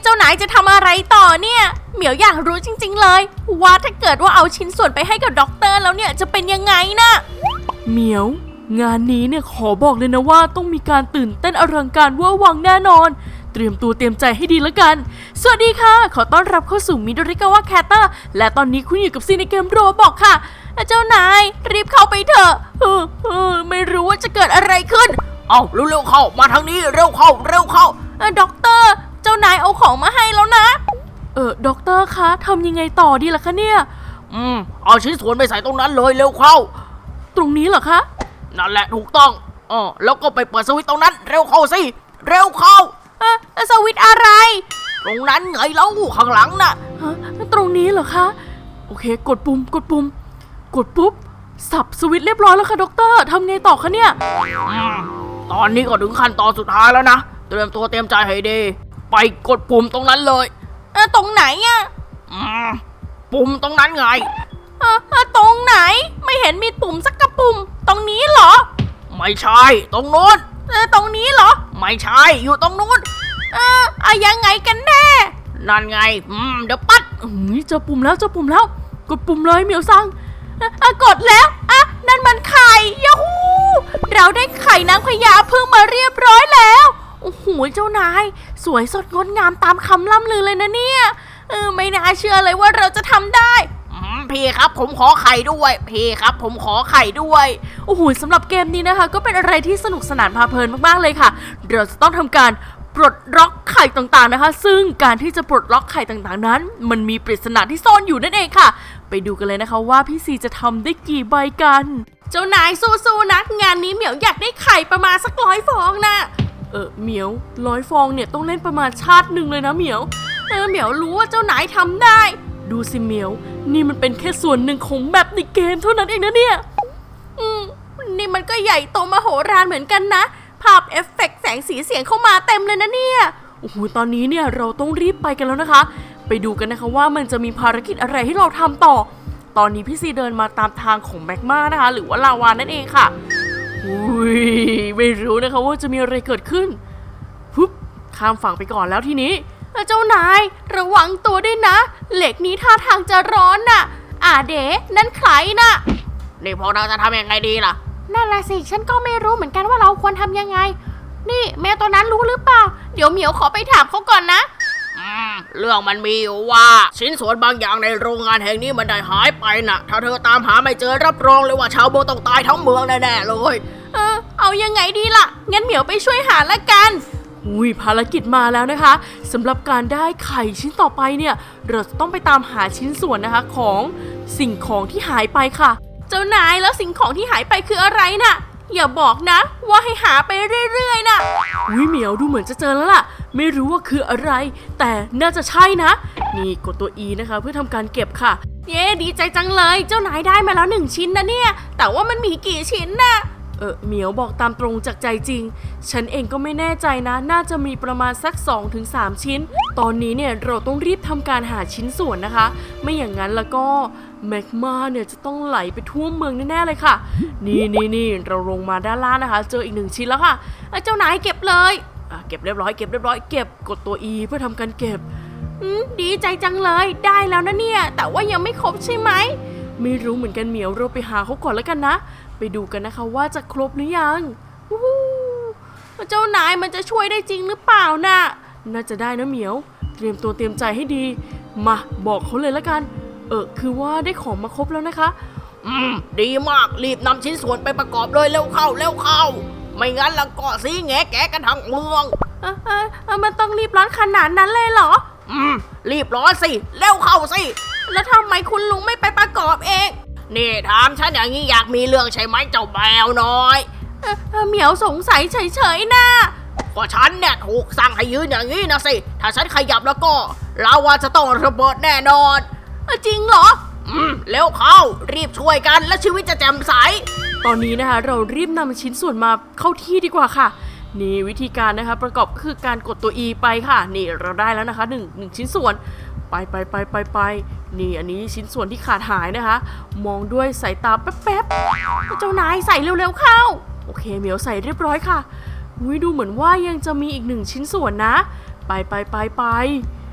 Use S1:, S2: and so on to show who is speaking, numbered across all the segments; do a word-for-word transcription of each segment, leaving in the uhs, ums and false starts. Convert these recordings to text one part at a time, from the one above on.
S1: จ้านายจะทำอะไรต่อเนี่ยเหมียวอยากรู้จริงๆเลยว่าถ้าเกิดว่าเอาชิ้นส่วนไปให้กับด็อกเตอร์แล้วเนี่ยจะเป็นยังไงนะ
S2: เหมียวงานนี้เนี่ยขอบอกเลยนะว่าต้องมีการตื่นเต้นอลังการเวอร์วังแน่นอนเตรียมตัวเตรียมใจให้ดีแล้วกันสวัสดีค่ะขอต้อนรับเข้าสู่มิโดริกาวะแคตเตอร์และตอนนี้คุณอยู่กับซีในเกมโรบอกค่ะเจ้านายรีบเข้าไปเถอะเออเออไม่รู้ว่าจะเกิดอะไรขึ้น
S3: เอาเร็วๆเข้ามาทางนี้เร็วเข้าเร็วเข้า
S1: เออด็อกเตอร์เจ้านายเอาของมาให้แล้วนะ
S2: เออด็อกเตอร์คะทำยังไงต่อดีล่ะคะเนี่ย
S3: อืมเอาชิ้นส่วนไปใส่ตรงนั้นเลยเร็วเข้า
S2: ตรงนี้เหรอคะ
S3: นั่นแหละถูกต้องอ๋อแล้วก็ไปเปิดสวิตช์ตรงนั้นเร็วเข้าสิเร็วเข้า
S1: เออสวิตช์อะไร
S3: ตรงนั้นไงเล่าข้างหลังน่ะ
S2: ฮะตรงนี้เหรอคะโอเคกดปุ่มกดปุ่มกดปุ๊บสับสวิตช์เรียบร้อยแล้วค่ะด็อกเตอร์ทำไงต่อคะเนี่ย
S3: ตอนนี้ก็ถึงขั้นตอนสุดท้ายแล้วนะเตรียมตัวเตรียมใจให้ดีไปกดปุ่มตรงนั้นเลย
S1: เออตรงไหนอะ
S3: อืมปุ่มตรงนั้นไง
S1: เออตรงไหนไม่เห็นมีปุ่มสักกระปุ่มตรงนี้เหรอ
S3: ไม่ใช่ตรงนู้น
S1: เออตรงนี้เหรอ
S3: ไม่ใช่อยู่ตรงนู้น
S1: เอออะยังไงกันแน่
S3: นั่นไงอืมเดี๋ยวปัด
S2: เจอปุ่มแล้วเจอปุ่มแล้วกดปุ่มเลยเหมียวซัง
S1: อะกดแล้วอะนั่นมันไข่ยาฮูเราได้ไข่นางพญาพึ่งมาเรียบร้อยแล้วโอ้โหเจ้านายสวยสดงดงามตามคำล่ำลือเลยนะเนี่ยเออไม่น่าเชื่อเลยว่าเราจะทำได้
S3: พี่ครับผมขอไข่ด้วยพี่ครับผมขอไข่ด้วย
S2: โอ้โหสำหรับเกมนี้นะคะก็เป็นอะไรที่สนุกสนานพาเพลินมากๆเลยค่ะเราจะต้องทำการปลดล็อกไข่ต่างๆนะคะซึ่งการที่จะปลดล็อกไข่ต่างๆนั้นมันมีปริศนาที่ซ่อนอยู่นั่นเองค่ะไปดูกันเลยนะคะว่าพี่ซีจะทำได้กี่ใบกัน
S1: เจ้านายสู้ๆนะงานนี้เหมียวอยากได้ไข่ประมาณสักร้อยฟองนะ
S2: เออเหมียวร้อยฟองเนี่ยต้องเล่นประมาณชาติหนึ่งเลยนะเหมียว
S1: เออเหมียวรู้ว่าเจ้านายทำได้
S2: ดูสิเหมียวนี่มันเป็นแค่ส่วนหนึ่งของแมปในเกมเท่านั้นเองนะเนี่ย
S1: อืมนี่มันก็ใหญ่โตมโหฬารเหมือนกันนะภาพเอฟเฟกต์แสงสีเสียงเข้ามาเต็มเลยนะเนี่ย
S2: โอ้โหตอนนี้เนี่ยเราต้องรีบไปกันแล้วนะคะไปดูกันนะคะว่ามันจะมีภารกิจอะไรให้เราทำต่อตอนนี้พี่ซีเดินมาตามทางของแมกมานะคะหรือว่าลาวานั่นเองค่ะอุ้ยไม่รู้นะคะว่าจะมีอะไรเกิดขึ้นปุ๊บข้ามฝั่งไปก่อนแล้วทีนี้
S1: เจ้านายระวังตัวด้วยนะเหล็กนี้ท่าทางจะร้อนน่ะอ่าเด๋นั่นใครน่ะ
S3: นี่พวกเราจะทำยังไงดีล่ะ
S1: นั่นแหละสิฉันก็ไม่รู้เหมือนกันว่าเราควรทำยังไงนี่แม่ตัวนั้นรู้หรือเปล่าเดี๋ยวเหมียวขอไปถามเขาก่อนนะ
S3: อืมเรื่องมันมีอยู่ว่าชิ้นส่วนบางอย่างในโรงงานแห่งนี้มันได้หายไปน่ะถ้าเธอตามหาไม่เจอรับรองเลยว่าชาวเมืองต้องตายทั้งเมืองแน่ๆเลย
S1: เออเอายังไงดีล่ะงั้นเหมียวไปช่วยหาละกัน
S2: อุ้ยภารกิจมาแล้วนะคะสำหรับการได้ไข่ชิ้นต่อไปเนี่ยเราจะต้องไปตามหาชิ้นส่วนนะคะของสิ่งของที่หายไปค่ะ
S1: เจ้านายแล้วสิ่งของที่หายไปคืออะไรน่ะอย่าบอกนะว่าให้หาไปเรื่อยๆน่ะ
S2: อุ้ยเหมียวดูเหมือนจะเจอแล้วล่ะไม่รู้ว่าคืออะไรแต่น่าจะใช่นะนี่กดตัว E นะคะเพื่อทำการเก็บค่ะ
S1: เย้ดีใจจังเลยเจ้านายได้มาแล้วหนึ่งชิ้นนะเนี่ยแต่ว่ามันมีกี่ชิ้นน่ะ
S2: เออเหมียวบอกตามตรงจากใจจริงฉันเองก็ไม่แน่ใจนะน่าจะมีประมาณสัก สองถึงสาม ชิ้นตอนนี้เนี่ยเราต้องรีบทำการหาชิ้นส่วนนะคะไม่อย่างนั้นแล้วก็แมกมาเนี่ยจะต้องไหลไปทั่วเมืองแน่ๆเลยค่ะนี่นี่นี่เราลงมาด้านล่างนะคะเจออีกหนึ่งชิ้นแล้วค่ะ
S1: เจ้านายเก็บเลย
S2: อ่ะเก็บเรียบร้อยเก็บเรียบร้อยเก็บกดตัว E เพื่อทำการเก็บ
S1: อืมดีใจจังเลยได้แล้วนะเนี่ยแต่ว่ายังไม่ครบใช่ไหม
S2: ไม่รู้เหมือนกันเหมียวเราไปหาเขาก่อนแล้วกันนะไปดูกันนะคะว่าจะครบหรือยัง
S1: เจ้านายมันจะช่วยได้จริงหรือเปล่าน่ะ
S2: น่าจะได้นะเหมียวเตรียมตัวเตรียมใจให้ดีมาบอกเขาเลยแล้วกันเออคือว่าได้ของมาครบแล้วนะคะ
S3: อืมดีมากรีบนำชิ้นส่วนไปประกอบเลยเร็วเข้าเร็วเข้าไม่งั้นละก็ซีแงแกกันทั้งเมือง
S1: เออเออมันต้องรีบร้อนขนาดนั้นเลยเหรอ
S3: อืมรีบร้อนสิเร็วเข้าสิ
S1: แล้วทำไมคุณลุงไม่ไปประกอบเอง
S3: นี่ถามฉันอย่างนี้อยากมีเรื่องใช่ไหมเจ้าแมวน้อย
S1: เออเหมียวสงสัยเฉยๆนะ
S3: ก็ฉันเนี่ยถูกสั่งให้ยืนอย่างนี้นะสิถ้าฉันขยับแล้วก็เราว่าจะต้องระเบิดแน่นอน
S1: จริงเหรอ
S3: อืมเร็วเข้ารีบช่วยกันและชีวิตจะแจ่มใส
S2: ตอนนี้นะคะเรารีบนำชิ้นส่วนมาเข้าที่ดีกว่าค่ะนี่วิธีการนะคะประกอบก็คือการกดตัว E ไปค่ะนี่เราได้แล้วนะคะหนึ่งหนึ่งชิ้นส่วนไปไปไปไปไปนี่อันนี้ชิ้นส่วนที่ขาดหายนะคะมองด้วยสายตาแป๊บ
S1: ๆเจ้านายใส่เร็วๆเข้า
S2: โอเคเหมียวใส่เรียบร้อยค่ะอุ้ยดูเหมือนว่ายังจะมีอีกหนึ่งชิ้นส่วนนะไปไปไปไป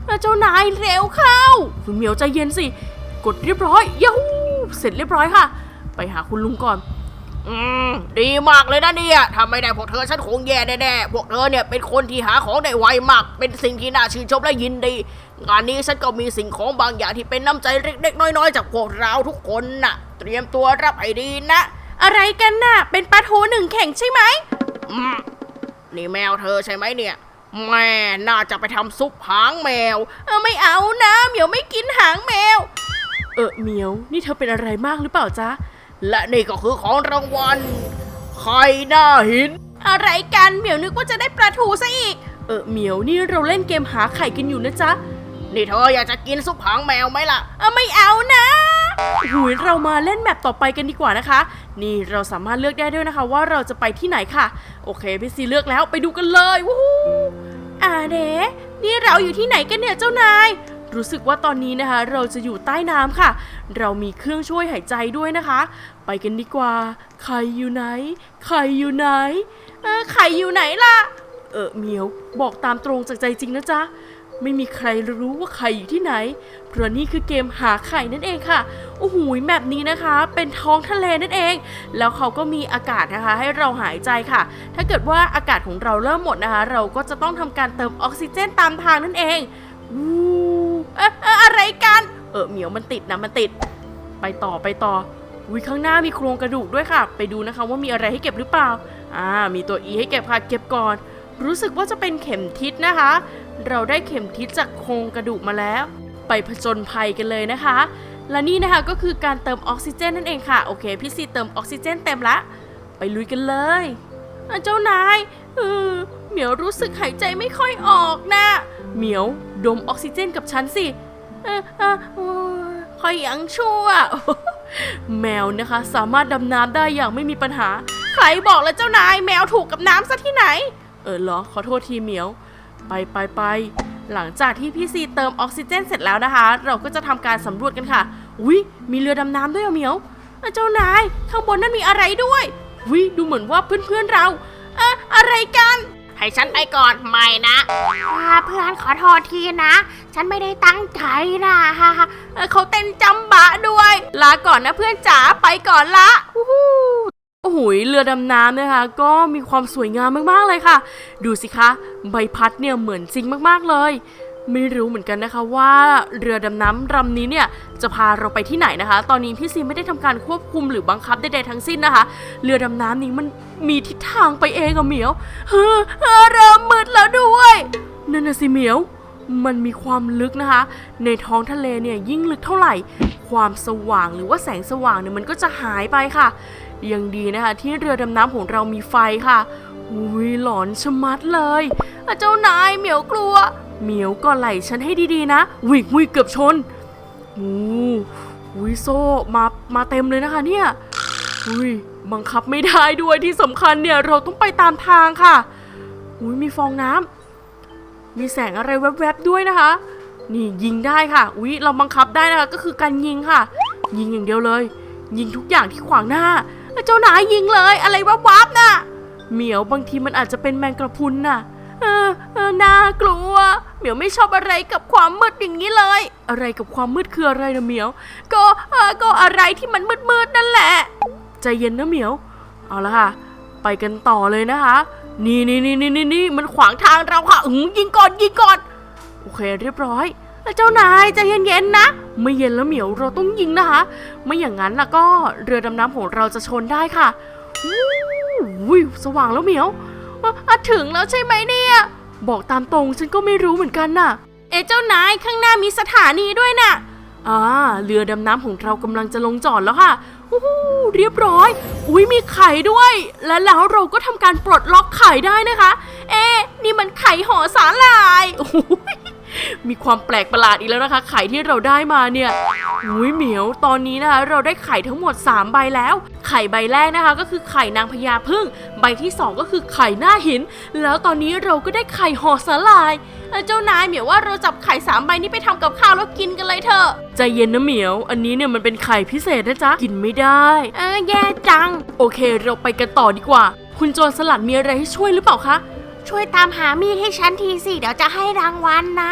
S2: เจ้านายเร็วเข้าคุณเหมียวใจเย็นสิกดเรียบร้อยยูหูเสร็จเรียบร้อยค่ะไปหาคุณลุงก่อน
S3: อืมดีมากเลยนะเนี่ยถ้าไม่ได้พวกเธอฉันคงแย่แน่ๆพวกเธอเนี่ยเป็นคนที่หาของได้ไวมากเป็นสิ่งที่น่าชื่นชมและยินดีงานนี้ฉันก็มีสิ่งของบางอย่างที่เป็นน้ำใจเล็กๆน้อยๆจากพวกเราทุกคนน่ะเตรียมตัวรับให้ดีนะ
S1: อะไรกันน่ะเป็นปลาทูหนึ่งเข่งใช่ไหม
S3: อืมนี่แมวเธอใช่ไหมเนี่ยแม่น่าจะไปทำซุปหางแมว
S1: เออไม่เอานะเหมียวไม่กินหางแมว
S2: เออเหมียวนี่เธอเป็นอะไรมากหรือเปล่าจ๊ะ
S3: และนี่ก็คือของรางวัลไข่หน้าหิน
S1: อะไรกันเหมียวนึกว่าจะได้ปลาทูซะอีก
S2: เออเหมียวนี่เราเล่นเกมหาไข่กันอยู่นะจ๊ะ
S3: นี่เธออยากจะกินซุปหางแมวไหมล่ะ
S1: เออไม่เอานะ
S2: หุยเรามาเล่นแมปต่อไปกันดีกว่านะคะนี่เราสามารถเลือกได้ด้วยนะคะว่าเราจะไปที่ไหนค่ะโอเคพี่ซีเลือกแล้วไปดูกันเลยวู้
S1: อ่าเด๋นี่เราอยู่ที่ไหนกันเนี่ยเจ้านาย
S2: รู้สึกว่าตอนนี้นะคะเราจะอยู่ใต้น้ำค่ะเรามีเครื่องช่วยหายใจด้วยนะคะไปกันดีกว่าไข่อยู่ไหนไข่อยู่ไหน
S1: เออไข่อยู่ไหนล่ะ
S2: เออเหมียวบอกตามตรงจากใจจริงนะจ๊ะไม่มีใครรู้ว่าไข่อยู่ที่ไหนเพราะนี่คือเกมหาไข่นั่นเองค่ะโอ้โหแบบนี้นะคะเป็นท้องทะเลนั่นเองแล้วเขาก็มีอากาศนะคะให้เราหายใจค่ะถ้าเกิดว่าอากาศของเราเริ่มหมดนะคะเราก็จะต้องทำการเติมออกซิเจนตามทางนั่นเอง
S1: วู้เอ๊ะอะไรกัน
S2: เออเหมียวมันติดนะมันติดไปต่อไปต่อวิข้างหน้ามีโครงกระดูกด้วยค่ะไปดูนะคะว่ามีอะไรให้เก็บหรือเปล่าอ่ามีตัว E ให้เก็บค่ะเก็บก่อนรู้สึกว่าจะเป็นเข็มทิศนะคะเราได้เข็มทิศจากโครงกระดูกมาแล้วไปผจญภัยกันเลยนะคะและนี่นะคะก็คือการเติมออกซิเจนนั่นเองค่ะโอเคพี่ซีเติมออกซิเจนเต็มละไปลุยกันเลย
S1: เจ้านายเออเหมียวรู้สึกหายใจไม่ค่อยออกนะ
S2: เหมียวดมออกซิเจนกับฉันสิ
S1: เออเออค่อยยังชั่ว
S2: แมวนะคะสามารถดำน้ำได้อย่างไม่มีปัญหา
S1: ใครบอกแล้วเจ้านายแมวถูกกับน้ำซะที่ไหน
S2: เออเหรอขอโทษทีเหมียวไปไปไปหลังจากที่พี่ซีเติมออกซิเจนเสร็จแล้วนะคะเราก็จะทำการสำรวจกันค่ะอุ๊ยมีเรือดำน้ำด้วยเหมียว
S1: เจ้านายข้างบนนั้นมีอะไรด้วย
S2: อุ๊ยดูเหมือนว่าเพื่อนๆเรา
S1: อะอะไรกัน
S3: ให้ฉันไปก่อนไม่นะ
S1: เพื่อนขอโทษทีนะฉันไม่ได้ตั้งใจนะเขาเต้นจำบะด้วยลาก่อนนะเพื่อนจ๋าไปก่อนละ
S2: โอ้โหเรือดำน้ำนะคะก็มีความสวยงามมากๆเลยค่ะดูสิคะใบพัดเนี่ยเหมือนจริงมากๆเลยไม่รู้เหมือนกันนะคะว่าเรือดำน้ำลำนี้เนี่ยจะพาเราไปที่ไหนนะคะตอนนี้พี่ซีไม่ได้ทำการควบคุมหรือบังคับใดๆทั้งสิ้นนะคะเรือดำน้ำนี้มันมีทิศทางไปเองอะเหมียว
S1: เฮ้อเริ่มมืดแล้วด้วย
S2: นั่นน่ะสิเหมียวมันมีความลึกนะคะในท้องทะเลเนี่ยยิ่งลึกเท่าไหร่ความสว่างหรือว่าแสงสว่างเนี่ยมันก็จะหายไปค่ะยังดีนะคะที่เรือดำน้ำของเรามีไฟค่ะอุ้ยหลอนชะมัดเลย
S1: เจ้านายเหมียวกลัว
S2: เหมียวก็ไหลฉันให้ดีๆนะวิกวิกเกือบชนอู้อุ้ยโซ่มามาเต็มเลยนะคะเนี่ยอุ้ยบังคับไม่ได้ด้วยที่สำคัญเนี่ยเราต้องไปตามทางค่ะอุ้ยมีฟองน้ำมีแสงอะไรแวบๆด้วยนะคะนี่ยิงได้ค่ะอุ้ยเราบังคับได้นะคะก็คือการยิงค่ะยิงอย่างเดียวเลยยิงทุกอย่างที่ขวางหน้า
S1: เจ้านายยิงเลยอะไรวับๆน่ะ
S2: เหมียวบางทีมันอาจจะเป็นแมงกระพุนน่ะ
S1: เออเออน่ากลัวเหมียวไม่ชอบอะไรกับความมืดอย่างนี้เลย
S2: อะไรกับความมืดคืออะไรนะเหมียว
S1: ก็เออก็อะไรที่มันมืดๆนั่นแหละ
S2: ใจเย็นนะเหมียวเอาละค่ะไปกันต่อเลยนะคะนี่นี่นี่นี่นี่นี่มันขวางทางเราค่ะอืมยิงก่อนยิงก่อนโอเคเรียบร้อย
S1: เจ้านายใจเย็นๆนะ
S2: ไม่เย็นแล้วเหมียวเราต้องยิงนะคะไม่อย่างนั้นล่ะก็เรือดำน้ำของเราจะชนได้ค่ะอุ้ยสว่างแล้วเหมียว
S1: ถึงแล้วใช่ไหมเนี่ย
S2: บอกตามตรงฉันก็ไม่รู้เหมือนกันน่ะ
S1: เอ๊ะเจ้านายข้างหน้ามีสถานีด้วยน่ะ
S2: อ่าเรือดำน้ำของเรากำลังจะลงจอดแล้วค่ะโอ้โหเรียบร้อยอุ้ยมีไข่ด้วยและแล้วเราก็ทำการปลดล็อกไข่ได้นะคะ
S1: เอ๊ะนี่มันไข่ห่อสาหร่าย
S2: โอ้โหมีความแปลกประหลาดอีกแล้วนะคะไข่ที่เราได้มาเนี่ยอุ้ยเหมียวตอนนี้นะคะเราได้ไข่ทั้งหมดสามใบแล้วไข่ใบแรกนะคะก็คือไข่นางพญาผึ้งใบที่สองก็คือไข่หน้าหินแล้วตอนนี้เราก็ได้ไข่ห่อสาหร่าย
S1: เจ้านายเหมียวว่าเราจับไข่สามใบนี้ไปทำกับข้าวแล้วกินกันเลยเถอะ
S2: ใจเย็นนะเหมียวอันนี้เนี่ยมันเป็นไข่พิเศษนะจ๊ะกินไม่ได้
S1: เออแย่จัง
S2: โอเคเราไปกันต่อดีกว่าคุณโจรสลัดมีอะไรให้ช่วยหรือเปล่าคะ
S1: ช่วยตามหามีดให้ฉันทีสิเดี๋ยวจะให้รางวัลนะ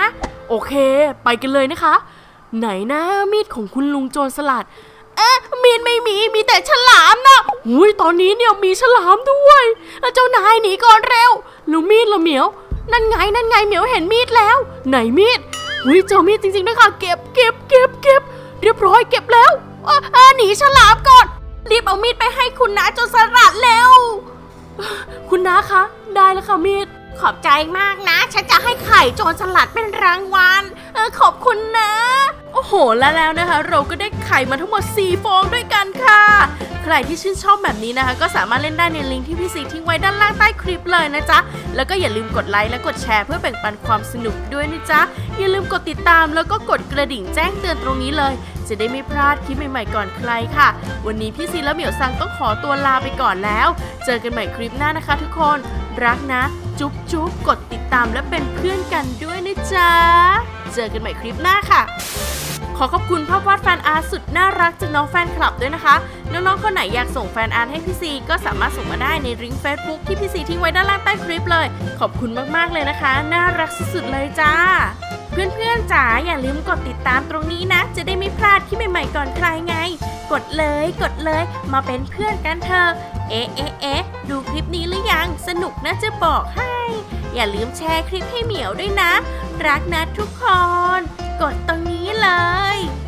S2: โอเค ไปกันเลยนะคะ ไหนนะมีดของคุณลุงโจรสลัด
S1: เอ๊ะมีดไม่มีมีแต่ฉลามนะ
S2: อุ้ยตอนนี้เนี่ยมีฉลามด้วยเจ้านายหนีก่อนเร็วแล้วมีดละเหมียว
S1: นั่นไงนั่นไงเหมียวเห็นมีดแล้ว
S2: ไหนมีดอุ้ยเจอมีดจริงๆนะคะเก็บเก็บเก็บเก็บเรียบร้อยเก็บแล้ว
S1: เอ่อเอ่อหนีฉลามก่อนรีบเอามีดไปให้คุณน้าโจรสลัดเร็ว
S2: คุณน้าคะได้แล้วค่ะมีด
S1: ขอบใจมากนะ ฉันจะให้ไข่โจรสลัดเป็นรางวัลเออขอบคุณนะ
S2: โอ้โหแล้วแล้วนะคะ เราก็ได้ไข่มาทั้งหมดสี่ฟองด้วยกันค่ะ ใครที่ชื่นชอบแบบนี้นะคะ ก็สามารถเล่นได้ในลิงก์ที่พี่ซีทิ้งไว้ด้านล่างใต้คลิปเลยนะจ๊ะแล้วก็อย่าลืมกดไลค์และกดแชร์เพื่อแบ่งปันความสนุกด้วยนะจ๊ะอย่าลืมกดติดตามแล้วก็กดกระดิ่งแจ้งเตือนตรงนี้เลย จะได้ไม่พลาดคลิปใหม่ๆก่อนใครค่ะวันนี้พี่ซีและเหมียวซังต้องขอตัวลาไปก่อนแล้วเจอกันใหม่คลิปหน้านะคะทุกคนรักนะจุ๊บจุ๊บกดติดตามและเป็นเพื่อนกันด้วยนะจ๊ะเจอกันใหม่คลิปหน้าค่ะขอขอบคุณภาพวาดแฟนอาร์ตสุดน่ารักจากน้องแฟนคลับด้วยนะคะน้องๆคนไหนอยากส่งแฟนอาร์ตให้พี่ซีก็สามารถส่งมาได้ในลิงก์ Facebook ที่พี่ซีทิ้งไว้ด้านล่างใต้คลิปเลยขอบคุณมากๆเลยนะคะน่ารักสุดๆเลยจ้าเพื่อนๆจ๋าอย่าลืมกดติดตามตรงนี้นะจะได้ไม่พลาดคลิปใหม่ๆก่อนใครไงกดเลยกดเลยมาเป็นเพื่อนกันเถอะเอ๊ะเอ๊ะเอ๊ะดูคลิปนี้หรือยังสนุกนะจะบอกให้อย่าลืมแชร์คลิปให้เหมียวด้วยนะรักนะทุกคนกดตรงนี้เลย